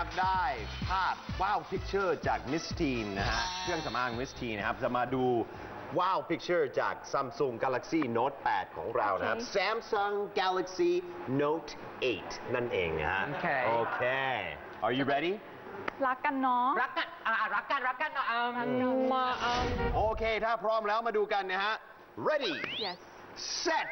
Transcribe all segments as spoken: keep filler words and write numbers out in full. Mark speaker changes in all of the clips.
Speaker 1: ากได้ภาพว้าวพิกเจอร์จากมิสทีนนะฮะเครื่องสำอางมิสทีนนะครับจะมาดูว้าวพิกเจอร์จาก Samsung Galaxy Note แปด ของเรานะครับ Samsung Galaxy Note แปด นั่นเองนะฮะ
Speaker 2: โอเค
Speaker 1: โอเค Are you ready
Speaker 3: รักกันเนาะ
Speaker 2: รักกันอ่ารักกันรักกันเนาะเอามาเอา
Speaker 1: โอเค ถ้าพร้อมแล้วมาดูกันนะฮะ Ready
Speaker 3: yes
Speaker 1: Set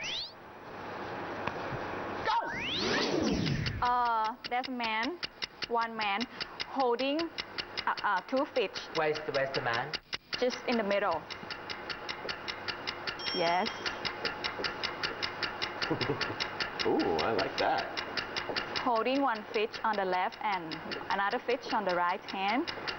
Speaker 1: Go
Speaker 3: uh there's a man one man holding uh, uh, two fish
Speaker 2: Where's the Where's the man
Speaker 3: just in the middle yes
Speaker 1: Ooh I like that
Speaker 3: holding one fish on the left and another fish on the right hand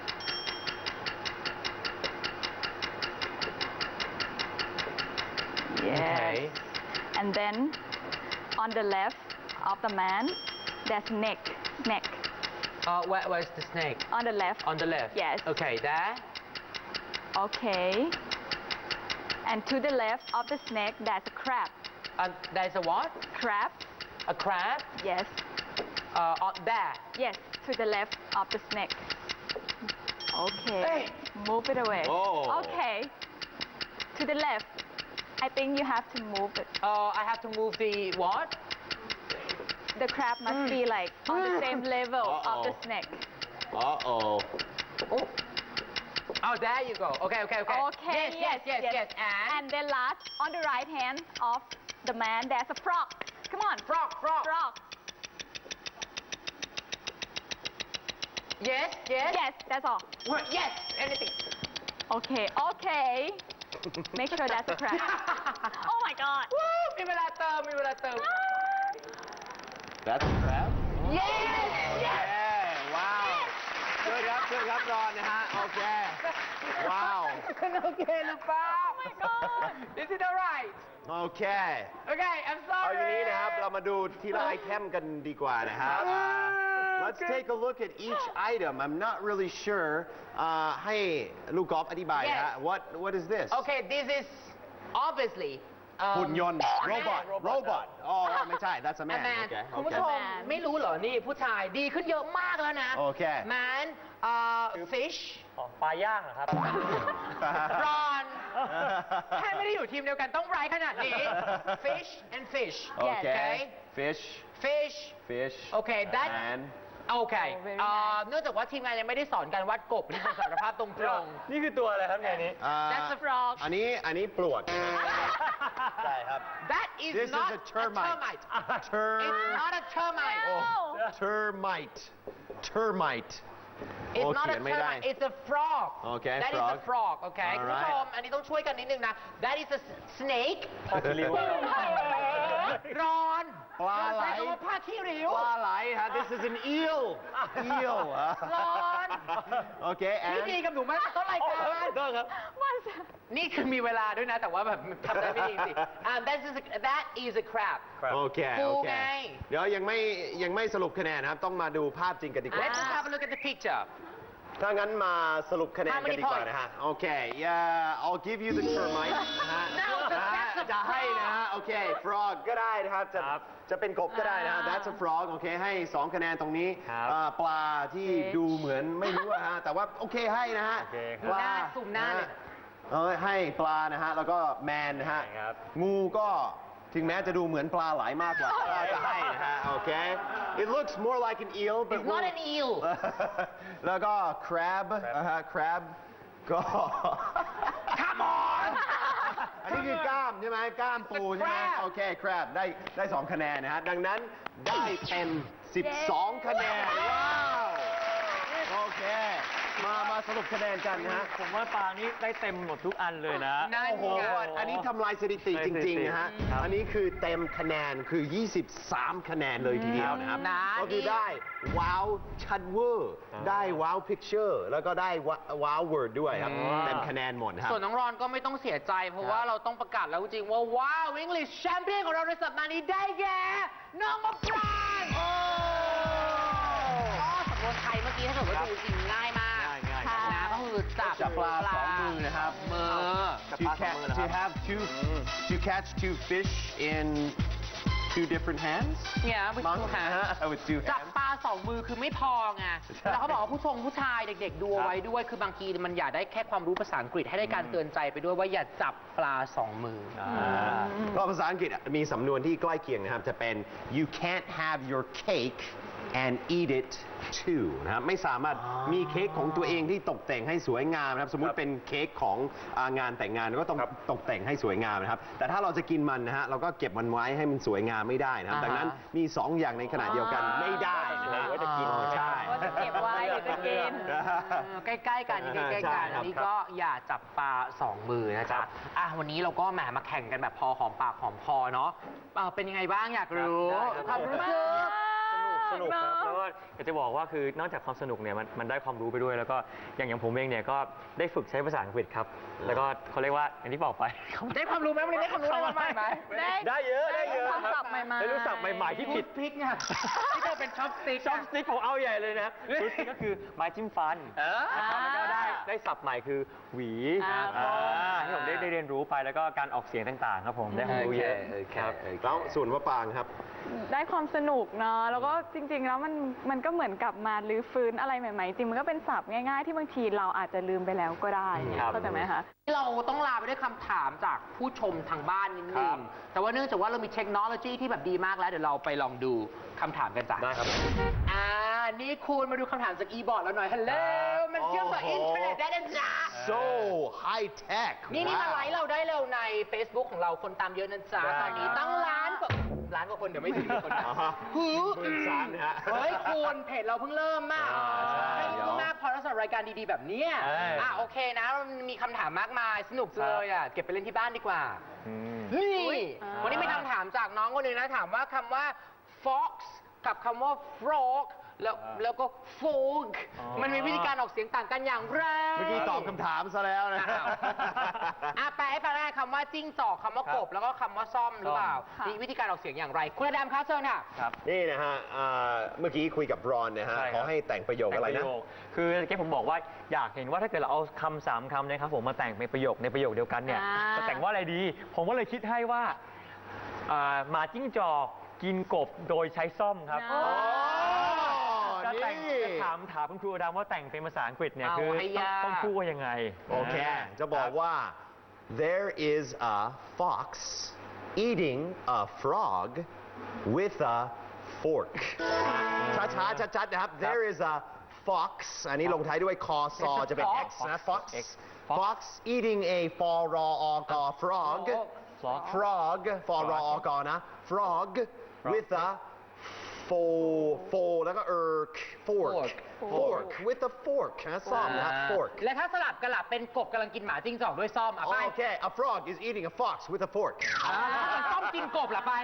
Speaker 3: yes
Speaker 2: Okay.
Speaker 3: and then on the left of the man there's snake snake
Speaker 2: uh, where, Where's the snake
Speaker 3: on the left
Speaker 2: On the left
Speaker 3: yes
Speaker 2: Okay there
Speaker 3: okay and to the left of the snake there's a crab
Speaker 2: uh, There's a what
Speaker 3: crab
Speaker 2: A crab
Speaker 3: yes
Speaker 2: uh, on there
Speaker 3: yes to the left of the snake okay
Speaker 2: Hey.
Speaker 3: move it away
Speaker 1: Oh.
Speaker 3: okay to the left I think you have to move it
Speaker 2: uh, I have to move the what
Speaker 3: the crab must be like on the same level of the
Speaker 1: Uh-oh.
Speaker 3: snake
Speaker 1: Uh-oh
Speaker 2: Oh Oh there you go Okay okay okay
Speaker 3: okay
Speaker 2: Yes yes yes yes and
Speaker 3: and then last on the right hand of the man there's a frog come on
Speaker 2: Frog frog
Speaker 3: frog
Speaker 2: Yes yes
Speaker 3: yes that's all
Speaker 2: What? Yes anything
Speaker 3: okay okay make sure that's a crab oh my god
Speaker 2: วู้มีเวลาเติมมีเวลาเติม
Speaker 1: That's a crab
Speaker 2: Yes yes
Speaker 1: ว้าวเชิญครับเชิญครับรอนนะฮะ โอเค ว้าว
Speaker 2: โอเคหรือเปล่า
Speaker 3: Oh my god
Speaker 2: Is it alright
Speaker 1: โอเค
Speaker 2: Okay I'm
Speaker 1: เอา
Speaker 2: sorry
Speaker 1: อย่างนี้นะครับ เรามาดูทีละไอเทมกันดีกว่านะฮะ Let's take a look at each item I'm not really sure อ่าให้ลูกกอล์ฟอธิบายนะฮะ What What is this
Speaker 2: Okay this is obviously um,
Speaker 1: หุ่นยนต์
Speaker 2: a man
Speaker 1: Robot Robot อ๋อไม่ใช่ That's a
Speaker 2: A
Speaker 1: man
Speaker 2: man
Speaker 1: โอเค
Speaker 2: คุณ
Speaker 1: โอ
Speaker 2: ผู้
Speaker 1: เค
Speaker 2: ชมไม่รู้เหรอ นี่ผู้ชายดีขึ้นเยอะมากแล้วนะ
Speaker 1: โอเค
Speaker 2: Man เอ่อ fish
Speaker 4: ปลาย่างเหรอครับ
Speaker 2: รอน แค่ไม่ได้อยู่ทีมเดียวกันต้องไร้ขนาดนี้ Fish and fish
Speaker 1: โอเค
Speaker 2: Okay
Speaker 1: Fish
Speaker 2: Fish
Speaker 1: Fish
Speaker 2: โอเค that
Speaker 1: Man
Speaker 2: โอเค
Speaker 3: Oh, very
Speaker 2: เอ่อ
Speaker 3: nice
Speaker 2: เนื่องจากว่าทีมงานยังไม่ได้สอนการวัดกบนี่เป็นสารภาพตรง
Speaker 4: นี่คือตัวอะไรครับในนี้
Speaker 1: อ่า
Speaker 3: that's a frog
Speaker 1: อันนี้อันนี้ปลวกใช่ครับ
Speaker 2: ๆ That is
Speaker 1: This
Speaker 2: not
Speaker 1: is a termite
Speaker 2: termite It's not a termite
Speaker 3: No.
Speaker 1: termite termite
Speaker 2: It's
Speaker 1: โอ้
Speaker 2: not
Speaker 1: เขี
Speaker 2: a
Speaker 1: ยนไม่ได้
Speaker 2: termite It's a frog
Speaker 1: Okay,
Speaker 2: That is a
Speaker 1: frog.
Speaker 2: frog Okay คุณ
Speaker 1: Alright.
Speaker 2: ผู้ชมอันนี้ต้องช่วยกันนิดนึงนะ That is a snake
Speaker 4: ผ้าคีริ้ว
Speaker 2: ร้อน
Speaker 1: ปลาไหล
Speaker 2: ใช้คำว่าผ้าขี้ริ้ว
Speaker 1: ปลาไหลฮะ This is an eel eel
Speaker 2: ร้อน
Speaker 1: โอเค
Speaker 2: นี่
Speaker 1: and
Speaker 2: ดีกับหนูมากต้นรายการ
Speaker 4: ได้ครับ
Speaker 3: What's
Speaker 2: นี่คือมีเวลาด้วยนะ แต่ว่าแบบทำได้ไม่ดีจริงๆ um, that is a, that is a crab
Speaker 1: โอเค
Speaker 2: ปู
Speaker 1: โอเค
Speaker 2: ไง
Speaker 1: เดี๋ยวยังไม่ยังไม่สรุปคะแนนนะครับ ต้องมาดูภาพจริงกันดีกว่า
Speaker 2: Let's just have a look at the picture
Speaker 1: ถ้างั้นมาสรุปคะแนน
Speaker 2: How
Speaker 1: กัน
Speaker 2: many
Speaker 1: ดีกว่า
Speaker 2: points?
Speaker 1: นะฮะ โอเค yeah I'll give you the termite นะฮะ
Speaker 2: No, but
Speaker 1: นะฮะ
Speaker 2: that's a
Speaker 1: จะให้นะฮะ โอเค frog ก็ได้นะครับ จะ
Speaker 4: ครับ
Speaker 1: จะเป็นกบก็ได้นะฮะ that's a frog โอเค ให้สองคะแนนตรงนี้
Speaker 4: ครับ
Speaker 1: อ่าปลาที่ดูเหมือนไม่รู้อะฮะ แต่ว่าโอเคให้นะฮะ
Speaker 4: โอเคครับ
Speaker 1: ปลา
Speaker 2: หน้าซูมหน้าเลย
Speaker 1: ะฮะเออให้ปลานะฮะ แล้วก็แมนนะฮะ
Speaker 4: ใช่ครับ
Speaker 1: งูก็ถึงแม้จะดูเหมือนปลาไหลมากกว่าก็จะให้นะฮะ โอเค it looks more like an eel but
Speaker 2: It's not an eel
Speaker 1: แล้วก็ crab นะฮะ crab ก็
Speaker 2: Come on
Speaker 1: อันนี้คือกล้ามใช่ไหมกล้ามปูใช่ไหม
Speaker 2: crab
Speaker 1: โอเค crab ได้ได้สองคะแนนนะฮะ ดังนั้นได้เป็นสิบสองคะแนน ว้าว โอเค มามาสรุปคะแนนกันนะฮะ
Speaker 4: ผมว่าปลานี้ได้เต็มหมดทุกอันเลยนะ
Speaker 2: นั่น
Speaker 1: โอ้โห
Speaker 2: ไง
Speaker 1: อันนี้ทำลายสถิติจริงๆนะฮะ
Speaker 4: ครับ
Speaker 1: อันนี้คือเต็มคะแนนคือ ยี่สิบสาม คะแนนเลยทีเดียวนะครับ
Speaker 2: นะ
Speaker 1: ก็คือได้ว้าวชัดเวอร์ ได้ว้าวพิกเจอร์แล้วก็ได้ว้าวเวิร์ดด้วยครับ เต็มคะแนนหมดครับ
Speaker 2: ส่วนน้องรอนก็ไม่ต้องเสียใจ เพราะว่าเราต้องประกาศแล้วจริงๆว่าว้าว English Champion ของเราในสัปดาห์นี้ได้แก่น้องมะปรางโอ้สำนวนไทยเมื่อกี้ถ้าเกิดว่าดูจริงง่ายมาก
Speaker 1: ง่ายๆ
Speaker 3: ค่ะ
Speaker 2: นะก็คือจับ
Speaker 1: จับปลาสองมือนะครับ
Speaker 2: มือ
Speaker 1: to catch to have two to catch two fish in two different hands
Speaker 2: Yeah with
Speaker 1: มั้ง
Speaker 2: two hands
Speaker 1: นะฮะ with two
Speaker 2: จับ
Speaker 1: hands
Speaker 2: ปลาสองมือคือไม่พอไงแล้วเขาบอกว่าผู้ชงผู้ชายเด็กๆดูเอาไว้ด้วย คือบางทีมันอยากได้แค่ความรู้ภาษาอังกฤษให้ได้การเตือนใจไปด้วยว่าอย่าจับปลาสองมืออ
Speaker 1: ก็ภาษาอังกฤษมีสำนวนที่ใกล้เคียงนะครับ จะเป็น you can't have your cake and eat it too นะครับไม่สามารถมีเค้กของตัวเองที่ตกแต่งให้สวยงามนะครับ สมมุติเป็นเค้กของอ่างานแต่งงานก็ต้องตกแต่งให้สวยงามนะครับ แต่ถ้าเราจะกินมันนะฮะเราก็เก็บมันไว้ให้มันสวยงามไม่ได้นะครับ ดังนั้นมีสองอย่างในขณะเดียวกันไม่ได้นะฮะ
Speaker 4: ว่าจะกิน
Speaker 1: ใช่
Speaker 3: ว่าจะเก็บไว้หรือจะกิน
Speaker 2: เออใกล้ๆกันนี่ใกล้ๆ
Speaker 1: ใช่
Speaker 2: กัน
Speaker 1: ครับ
Speaker 2: อันนี้ก็อย่าจับปลาสองมือนะจ๊ะอ่ะวันนี้เราก็แหมมาแข่งกันแบบพอหอมปากหอมคอเนาะเอ่อเป็นยังไงบ้างอยากรู้
Speaker 4: ได้ครับ
Speaker 2: ความรู้สึก
Speaker 4: สนุกครับ
Speaker 3: เนอะ
Speaker 4: แล้วก็อยากจะบอกว่าคือนอกจากความสนุกเนี่ยมันมันได้ความรู้ไปด้วย แล้วก็อย่างอย่างผมเองเนี่ยก็ได้ฝึกใช้ภาษาอังกฤษครับ แล้วก็เขาเรียกว่าอย่างที่บอกไป
Speaker 2: ได้ความรู้ไหมวันนี้ได้ความรู้อะไรใหม่ไหม
Speaker 3: ได้
Speaker 4: ได้เยอะได้เยอะ
Speaker 3: คำศัพท์ใหม่ๆ
Speaker 4: ได้รู้ศัพท์ใหม่ๆที่ผิด
Speaker 2: พริกเนี่ยที่เธอเป็นช็อปสติ๊ก
Speaker 4: ช็อปสติ๊กผมเอาใหญ่เลยนะชุดนี้ก็คือไม้จิ้มฟัน
Speaker 2: เออ
Speaker 4: นะครับแล้วก็ได้ได้ศัพท์ใหม่คือหวี
Speaker 3: อ่า
Speaker 4: อ่าที่ผมได้ได้เรียนรู้ไปแล้วก็การออกเสียงต่างๆครับผมได้ความรู้เยอะ
Speaker 2: โอเค
Speaker 4: ครับ
Speaker 1: แล้วส่วนมะปรางครับ
Speaker 3: ได้ความสนุกเนาะแล้วก็จริง ๆ แล้วมันมันก็เหมือนกับมาลื้อฟื้นอะไรใหม่ๆ จริงมันก็เป็นศัพท์ง่ายๆ ที่บางทีเราอาจจะลืมไปแล้วก็ได้
Speaker 4: ครับ
Speaker 3: เข้าใจไหมคะ
Speaker 2: เราต้องลาไปด้วยคำถามจากผู้ชมทางบ้านนิด
Speaker 4: ค
Speaker 2: นึ
Speaker 4: รั
Speaker 2: ง
Speaker 4: บ
Speaker 2: แต่ว่าเนื่องจากว่าเรามีเทคโนโลยีที่แบบดีมากแล้ว เดี๋ยวเราไปลองดูคำถามกันจ้ะ
Speaker 4: ได้ครับ
Speaker 2: อ่า นี่คุณมาดูคำถามจากอีบอร์ดเราหน่อยฮัลโหลมันเชื่อมกับ
Speaker 1: โอ้
Speaker 2: อิน
Speaker 1: โห
Speaker 2: เทอร์เน็ตได้นะจ๊ะ
Speaker 1: so high tech
Speaker 2: นี่นี่มาไลค์เราได้เร็วใน Facebook ของเราคนตามเยอะนะจ๊ะ
Speaker 4: ได้
Speaker 2: ตอนนี้ตั้งล้านกว่าล้านกว่าคนเดี๋ยวไม่ถึงคนนะ
Speaker 1: อ่าฮะ
Speaker 2: หู
Speaker 1: หมื่นสามนะฮะ
Speaker 2: เฮ้ยคุณเพจเราเพิ่งเริ่มมาก
Speaker 1: อ่าใช่
Speaker 2: ไม่
Speaker 1: เดี๋ยว
Speaker 2: เพิ่งมากพอแล้วสำหรับรายการดีๆแบบเนี้ย
Speaker 4: เอ้ย
Speaker 2: อ่ะโอเคนะมันมีคำถามมากมายสนุกจังเลยอ่ะเก็บไปเล่นที่บ้านดีกว่า
Speaker 4: อืม
Speaker 2: นี่
Speaker 3: อ่า
Speaker 2: วันนี้มีคำถามจากน้องคนหนึ่งนะถามว่าคำว่า fox กับคำว่า frog แล้ว
Speaker 4: อ่า
Speaker 2: แล้วก็ frog
Speaker 4: อ๋อ
Speaker 2: มันมีวิธีการออกเสียงต่างกันอย่างไร
Speaker 1: เมื่อกี้ตอบคำถามซะแล้วนะ
Speaker 2: อ้าวอ่ะแปลให้ฟังได้คำว่าจิ้งจอกคำว่ากบ แล้วก็คำว่าซ่อมหรือเปล่า
Speaker 3: ค่ะ
Speaker 2: มีวิธีการออกเสียงอย่างไร คุณอดามคะเชิญค่ะ
Speaker 4: ครับ
Speaker 1: นี่นะฮะอ่าเมื่อกี้คุยกับรอนนะฮะ
Speaker 4: ใช่ครับ
Speaker 1: ขอให้แต่งประโยคอะไรนะ
Speaker 4: แต่งปโยคคือเมื่อกี้ผมบอกว่าอยากเห็นว่าถ้าเกิดเราเอาคำสามคำเนะครับผมมาแต่งเป็นประโยคในประโยคเดียวกันเนี่ย
Speaker 3: อ่า
Speaker 4: จะแต่งว่าอะไรดี ผมก็เลยคิดให้ว่าอ่าหมาจิ้งจอกกินกบโดยใช้ซ่อมครับ
Speaker 3: อ๋อ
Speaker 4: จะแต่ง
Speaker 1: นี่
Speaker 4: จะถามถามคุณครูอดามว่าแต่งเป็นภาษาอังกฤษเนี่ย
Speaker 2: เอา
Speaker 4: คือ
Speaker 2: ให้
Speaker 4: ต้อง
Speaker 2: ยาก
Speaker 4: ต้องพูดว่ายังไง
Speaker 1: โอเค จะบอกว่า there is a fox eating a frog with a fork ช้าๆชัดๆนะครับ there is a fox อันนี้ลงท้ายด้วยคอซอจะเป็น x นะ fox
Speaker 4: X
Speaker 1: fox eating a ฟอรออกอ frog
Speaker 4: Frog
Speaker 1: frog ฟอรออกอนะ frog with a fo fo แล้วก็ erk fork fork with a fork นะซ่อมนะ fork
Speaker 2: และถ้าสลับกันล่ะเป็นกบกำลังกินหมาจิ้งจอกด้วยซ่อมอ่ะไป
Speaker 1: โอเค a frog is eating a fox with a fork
Speaker 2: อ่าซ่อมกินกบล่ะไป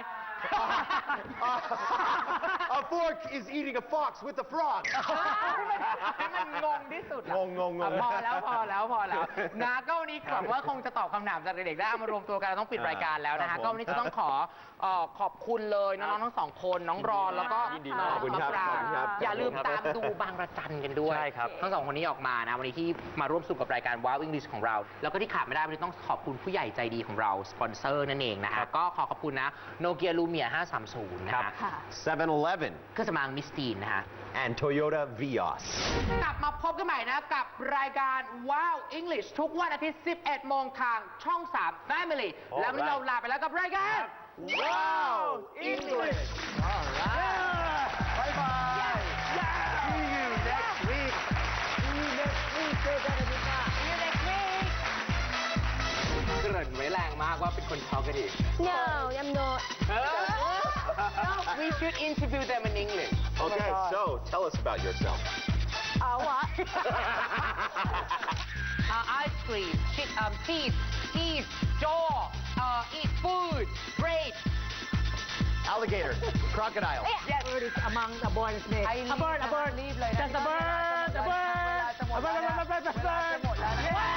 Speaker 1: a fork is eating a fox with a frog
Speaker 2: ให้มันงงที่สุดอะ
Speaker 1: งงงงง
Speaker 2: อ่ะพอแล้วพอแล้วพอแล้วนะก็วันนี้หวังว่าคงจะตอบคำถามจากเด็กๆได้เอามารวมตัวกันเราต้องปิดรายการแล้วนะ
Speaker 1: ครั
Speaker 2: ฮะ
Speaker 1: บผม
Speaker 2: ก็วันนี้จะต้องขอเอ่อขอบคุณเลยน้องๆทั้งสองคนน้องรอนแล้วก็
Speaker 4: ยินดี
Speaker 2: น้อง
Speaker 1: ขอบคุณครับ
Speaker 2: มะปราง
Speaker 1: ขอบคุณครับ
Speaker 2: อย่าลืมตามดูบางระจันกันด้วย
Speaker 4: ใช่ครับ
Speaker 2: ทั้งสองคนนี้ออกมานะวันนี้ที่มาร่วมสนุกกับรายการ Wow English ของเรา แล้วก็ที่ขาดไม่ได้วันนี้ต้องขอบคุณผู้ใหญ่ใจดีของเราสปอนเซอร์นั่นเองนะฮะก็ขอขอบคุณนะโนเกียลูเมียห้าสามศูนย์นะ
Speaker 4: ครั
Speaker 2: ฮะ
Speaker 4: บ
Speaker 3: ค่ะ
Speaker 1: เซเว่นอีเลฟเว่น
Speaker 2: เครื่องสำอางมิสตีนนะฮะ
Speaker 1: and Toyota Vios
Speaker 2: กลับมาพบกันใหม่นะกับรายการ Wow English ทุกวันอาทิตย์ สิบเอ็ดโมงทางช่อง สาม Family แล้ววันนี้เราลาไปแล้วกับรายการ
Speaker 1: Wow English all right bye bye see you next week see you next week เจอกันอาทิตย์หน้า
Speaker 2: See you next week เกริ่นไว้แรงมากว่าเป็นคนช็อกกันอีก
Speaker 3: No I'm not
Speaker 2: เออ We should interview them in English
Speaker 1: okay so tell us about yourself
Speaker 3: uh, what
Speaker 2: uh, ice cream shit um teeth teeth jaw uh, eat food great
Speaker 1: alligator crocodile
Speaker 2: yes
Speaker 5: bird is among the born snake.
Speaker 2: I
Speaker 5: a bird, a bird.
Speaker 2: รีบเลยนะ
Speaker 5: Just a bird, a bird.
Speaker 2: เวลาจะหมดแล้วนะ
Speaker 5: A bird, a bird, a bird, a bird.
Speaker 2: เวลาจะหมดแล้วนะ